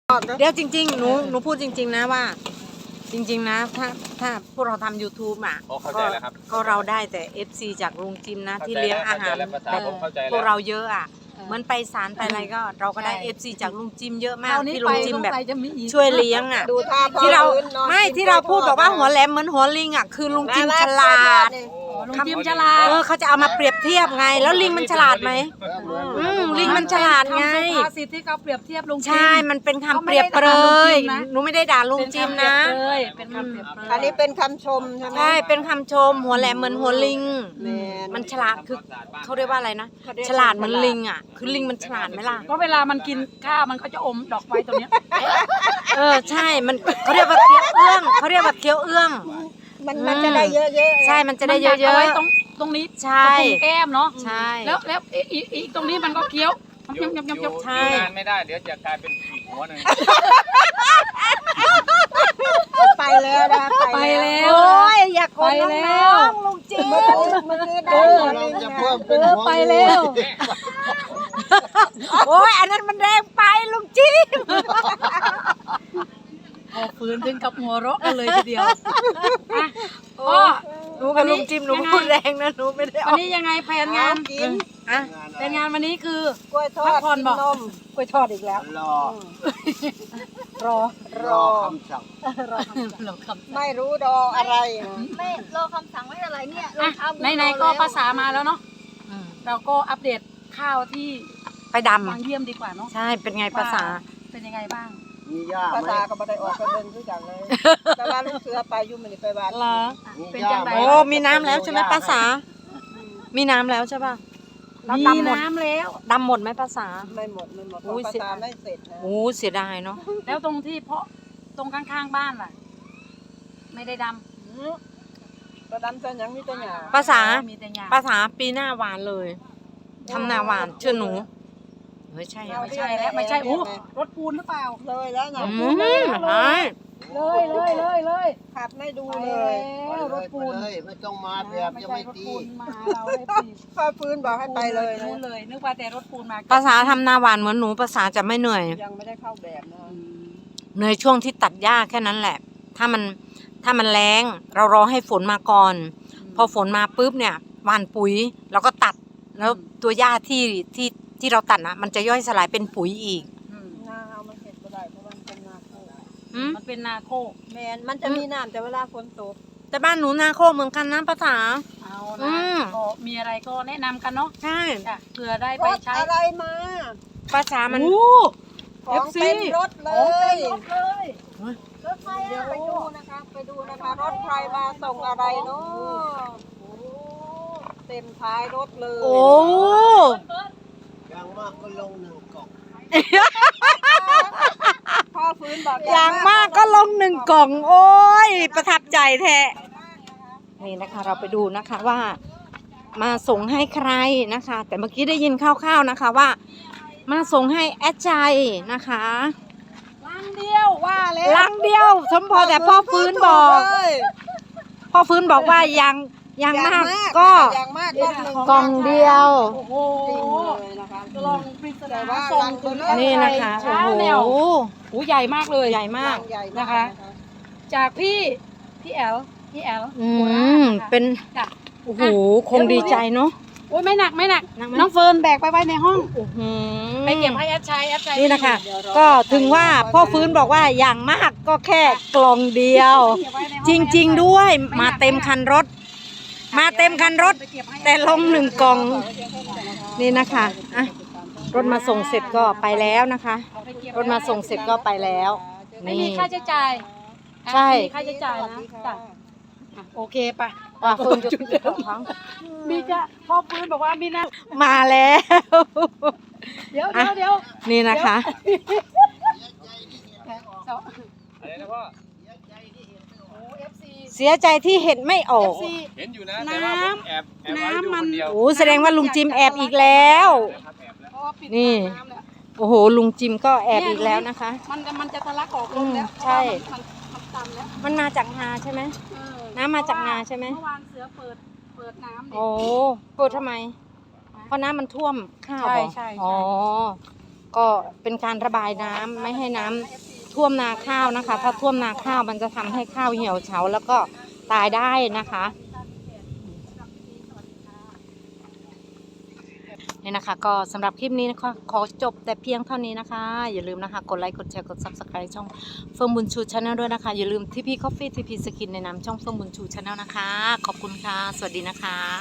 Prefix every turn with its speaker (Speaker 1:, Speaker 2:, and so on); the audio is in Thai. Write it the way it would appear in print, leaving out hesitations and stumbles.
Speaker 1: เดี๋ยวจริงๆหนูพูดจริงๆนะว่า จริงๆนะถ้าพวกเราทำ YouTube อ่ะ
Speaker 2: เข้าใจแล้วครับ
Speaker 1: ก็เราได้แต่ FC จากลุงจิมนะที่เลี้ยงอาหาร
Speaker 2: ผมเข้าใจ
Speaker 1: พวก
Speaker 2: แล้ว
Speaker 1: เราเยอะอ่ะเหมือนไปศาลไปอะไรก็เราก็ได้ FC จากลุงจิมเยอะมากที่ลุงจิมแบบช่วยเลี้ยงอ่ะ
Speaker 3: ดูท่า
Speaker 1: ที่เรา
Speaker 3: พื้นนอน
Speaker 1: ไม่
Speaker 3: กิน
Speaker 1: ที่เราพูด
Speaker 3: กล้วย
Speaker 1: บอกว่า
Speaker 3: ทด
Speaker 1: หัวแหลมเหมือนหัวลิงอ่ะคือลุงจิมฉลาด
Speaker 4: ลุงจิมฉลาด
Speaker 1: เขาจะเอามาเปรียบเทียบไง แล้วลิงมันฉลาดไหมลิงมันฉลาดไง
Speaker 4: คำสุภาษิตที่เขาเปรียบเทียบลุงจิม
Speaker 1: ใช่ มันเป็นคำเปรียบเปรยหนูไม่ได้ด่าลุงจิมนะ
Speaker 4: เป็นคำเปรียบเปรย
Speaker 3: อันนี้เป็นคำชมใช่ไหม
Speaker 1: ใช่ เป็นคำชมหัวแหลมเหมือนหัวลิง
Speaker 3: แม่น
Speaker 1: มันฉลาดคือเขาเรียกว่าอะไรนะ ฉลาดเหมือนลิงอ่ะ คือลิงมันฉลาดไหมล่ะ
Speaker 4: ก็เวลามันกินข้าวมันก็จะอมดอกไม้ตรงเนี้ย
Speaker 1: ใช่ มันเขาเรียกว่าเคี้ยวเอื้องเขาเรียกว่าเคี้ยวเอื้อง
Speaker 3: มันจะได้เยอะๆ
Speaker 1: ใช่ มันจะได้เย
Speaker 4: มันดักาไว้
Speaker 1: อะ
Speaker 4: ตรงนี้
Speaker 1: ใช่
Speaker 4: ตรงแก้มเนาะ
Speaker 1: ๆ ใช่
Speaker 4: แล้วอีกตรงนี้มันก็เคี้ยวยำ
Speaker 1: ใช่
Speaker 2: งานไม่ได้เดี๋ยวจะกลายเป็นผีหัวหนึ่ง
Speaker 3: ไปแล้วนะ
Speaker 4: ไปแล้ว
Speaker 1: โอ้ยอย่ากด
Speaker 4: ไปแล้
Speaker 1: น้
Speaker 4: ว
Speaker 1: องๆลุงจิม
Speaker 3: เมื่อกี้ได้หัวลิงนะ
Speaker 4: ไปแล้ว
Speaker 1: โอ้ยอันนั้นมันแรงไปลุงจิม
Speaker 4: พอฟื้นถึงกับหัวเราะกันเลยทีเดียวอ่ะก็
Speaker 1: หนูกับลุงจิมหนูพูดแรงนะหนูไม่ได้อ
Speaker 4: วั
Speaker 1: อน ก
Speaker 4: นี้ยังไงแผนงาน
Speaker 3: กิน
Speaker 1: อ่ะ
Speaker 4: แผนงานวันนี้คือก
Speaker 3: ล้วยทอ
Speaker 4: พั
Speaker 3: ด
Speaker 4: กผ่อน
Speaker 3: กิน
Speaker 4: บอก
Speaker 3: นม
Speaker 4: กล้วยทอดอีกแล้ว
Speaker 3: รอ
Speaker 5: คำสั่ง
Speaker 4: เราคำ
Speaker 3: ไม่รู้รออะไรนะ
Speaker 6: ไม่รอคำสั่งไม่อะไรเนี่ย
Speaker 4: อ่ะไหนๆก็ภาษามาแล้วเนาะเราก็อัปเดตข้าวที่
Speaker 1: ไปด
Speaker 4: บางเยี่ยมดีกว่าเนาะ
Speaker 1: ำใช่เป็นไงภาษา
Speaker 4: เป็นยังไงบ้าง
Speaker 5: มีย่า
Speaker 3: ภา
Speaker 5: ไหม
Speaker 3: ษาก็ไม่ได้ออกไปเดินด้วยกันเลยแต่ว่าลูกเสือไปอยู่มันไปบ้าน
Speaker 1: เหรอ
Speaker 5: มี
Speaker 4: เป็น
Speaker 5: ย่า
Speaker 4: จัง
Speaker 5: ไหม
Speaker 4: ได
Speaker 1: โอ้มีน้ำแล้วใช่ไหมภาษา มีน้ำแล้วใช่ป่ะแล้ว
Speaker 4: มี
Speaker 1: ดำหมด
Speaker 4: น้ำแล้ว
Speaker 1: ดำหมดไหมภาษา
Speaker 3: ไม่หมดเพ
Speaker 1: อุ้
Speaker 3: ราะ
Speaker 1: ย
Speaker 3: ภาษาไม่เสร็จนะ
Speaker 1: โอ้เสียดายเนาะ
Speaker 4: แล้วตรงที่เพาะตรงข้างๆบ้านล่ะ ไม่ได้ด
Speaker 3: กระดำจะยังมีแต่หยา
Speaker 1: ภาษา
Speaker 4: มีแต่หญ้า
Speaker 1: ภาษาปีหน้าหวานเลยทำนาหวานเชื่อหนูเฮ้ยใช่อะ
Speaker 4: ไม่ใช่แล้วไม่ใช่โอ้รถปูนหรือเปล่า
Speaker 3: เลยแล้วนะ
Speaker 1: อืมใช่
Speaker 4: เลย
Speaker 3: ขับไม่ดู
Speaker 4: ไป
Speaker 3: เลย
Speaker 4: แล้วรถปูน
Speaker 5: ไปเลยไม่ต้องมาแบบ
Speaker 4: ไม่
Speaker 5: จะ
Speaker 4: ใช่
Speaker 5: ไม่
Speaker 4: รถ
Speaker 5: ตี
Speaker 4: ปูนมาเราได้ปี
Speaker 3: พ่อฟื้นบอกให้ไปเลยนะ
Speaker 4: รู้เลยนึกว่าแต่รถปูนมา
Speaker 1: ภาษาทำนาหวานเหมือนหนูภาษาจะไม่เหนื่อย
Speaker 3: ยังไม่ได้เข้าแบบนะ
Speaker 1: เหนื่อยช่วงที่ตัดหญ้าแค่นั้นแหละ ถ้ามันแรงเรารอให้ฝนมาก่อน พอฝนมาปุ๊บเนี่ยหว่านปุ๋ยแล้วก็ตัดแล้วตัวหญ้าที่เราตัดนะมันจะย่อยสลายเป็นปุ๋ยอีก
Speaker 3: นาเอามันเห็ดไม่ได้เพราะมันเป็นนาโคก
Speaker 1: อืม
Speaker 4: มันเป็นนาโคก
Speaker 3: แมนมันจะมีน้ำแต่เวลาฝนตก
Speaker 1: แต่บ้านหนูนาโคกเหมือนกันนะภาษา
Speaker 4: เอา
Speaker 1: อื
Speaker 4: นะ
Speaker 1: ม
Speaker 4: ก็มีอะไรก็แนะนำกันเนาะ
Speaker 1: ใช่
Speaker 4: จ้ะเผื่อได้
Speaker 3: ร
Speaker 4: ไป
Speaker 3: ถ
Speaker 4: ใช้
Speaker 3: อะไรมา
Speaker 1: ภาษามัน
Speaker 3: ของเต็มรถเลย
Speaker 6: รถไฟ
Speaker 3: เดี๋ยว
Speaker 6: อ่ะ
Speaker 3: ไปดูนะคะรถใครมาส่งอะไรเนาะเต็มท้ายรถเลย
Speaker 1: โอ้
Speaker 5: อย่างมากก็ลงหนึ่งกล่อง
Speaker 3: พ่อฟื้นบอก
Speaker 1: อย่างมากก็ลงหนึ่งกล่องโอ้ยประทับใจแท้นี่นะคะ เราไปดูนะคะว่า มาส่งให้ใครนะคะ แต่เมื่อกี้ได้ยินคร่าวๆนะคะว่า มาส่งให้แอดใจนะคะ
Speaker 4: ลังเดียวว่าแล้ว
Speaker 1: ลังเดียวสมพอแต่พ่อฟื้นบอก พ่อฟื้นบอกว่ายังมากก็
Speaker 3: อย่างมากรถหนึ่ง
Speaker 1: กล่องเดียว
Speaker 4: โอ้โห
Speaker 3: จริงเลยนะคะ
Speaker 4: กล่องปริศ
Speaker 3: แต่
Speaker 4: นา
Speaker 3: ว่า
Speaker 4: ส่ง
Speaker 3: ลัง
Speaker 4: ถึง
Speaker 3: เบลอ
Speaker 1: นี่นะคะ
Speaker 4: เช้า
Speaker 1: โอ้โห
Speaker 4: แนวโอ้ใหญ่มากเลย
Speaker 1: ใหญ่มาก
Speaker 3: ใหญ่
Speaker 4: นะคะ จากพี่แอล
Speaker 1: อื
Speaker 4: โคราช
Speaker 1: ม
Speaker 4: นะคะ
Speaker 1: เป็น
Speaker 4: จ้ะ
Speaker 1: โอ้โหคงดีใจเนาะ
Speaker 4: โอ้ยไม่หนัก
Speaker 1: หนักไหม
Speaker 4: น้องเฟิร์นแบกไปไว้ในห้อง
Speaker 1: โอ้โห
Speaker 4: ไปเก็บให้แอดชัย
Speaker 1: นี่นะคะ ก็ถึงว่าพ่อฟื้นบอกว่าอย่างมากก็แค่กล่องเดียว จริงๆด้วย มาเต็มคันรถ มาเต็มคันรถ แต่ลงหนึ่งกล่อง นี่นะคะอ่ะรถมาส่งเสร็จก็ไปแล้วนะคะ รถมาส่งเสร็จก็ไปแล้ว
Speaker 4: ไม่มี
Speaker 1: นี่
Speaker 4: ค่าใช้จ่าย
Speaker 1: ใช่
Speaker 4: ไม่มีค่าใช้จ่ายนะจ้ะอ่ะโอเคไป
Speaker 1: ว่าเฟิร์นจะของเขา
Speaker 4: มีจ้ะพ่อฟื้นบอกว่ามีนะ
Speaker 1: มาแล้ว
Speaker 4: เดี๋ยว
Speaker 1: นี่นะคะ
Speaker 2: อะไรนะพ่อ
Speaker 1: เสียใจที่เห็นไม่ออก
Speaker 2: เห็นอยู่นะแต่ว่าผมแอบไว้อยู่คนเดียว
Speaker 1: โอ้แสดงว่าลุงจิมแอบอีกแล้ว
Speaker 2: ครับแอบแล้ว
Speaker 4: เพราะว่าปิด
Speaker 1: นี่
Speaker 4: น้ำแล้ว
Speaker 1: โอ้โหลุงจิมก็แอบอีกแล้วนะคะ
Speaker 4: มันจะทะลักออกลมแล้ว
Speaker 1: ใช่
Speaker 4: เพราะว่ามันตันแล้ว
Speaker 1: มันมาจากนาใช่ไหม
Speaker 4: เออ
Speaker 1: น้ำมาจากนาใช่ไหม
Speaker 4: เมื่อวานเสือเปิดน้ำเนี่ย
Speaker 1: โอ้เปิดทำไม เพราะน้ำมันท่วมข้าวเหรอ
Speaker 4: ใช่
Speaker 1: อ๋อก็เป็นการระบายน้ำไม่ให้น้ำท่วมนาข้าวนะคะ ถ้าท่วมนาข้าวมันจะทำให้ข้าวเหี่ยวเฉาแล้วก็ตายได้นะคะนี่นะคะก็สำหรับคลิปนี้นะคะขอจบแต่เพียงเท่านี้นะคะ อย่าลืมนะคะกดไลค์กดแชร์กด Subscribe ช่องเฟิร์มบุญชูชาแนลด้วยนะคะอย่าลืมทีพีคอฟฟี่ทีพีสกินในนามช่องเฟิร์มบุญชูชาแนลนะคะขอบคุณค่ะสวัสดีนะคะ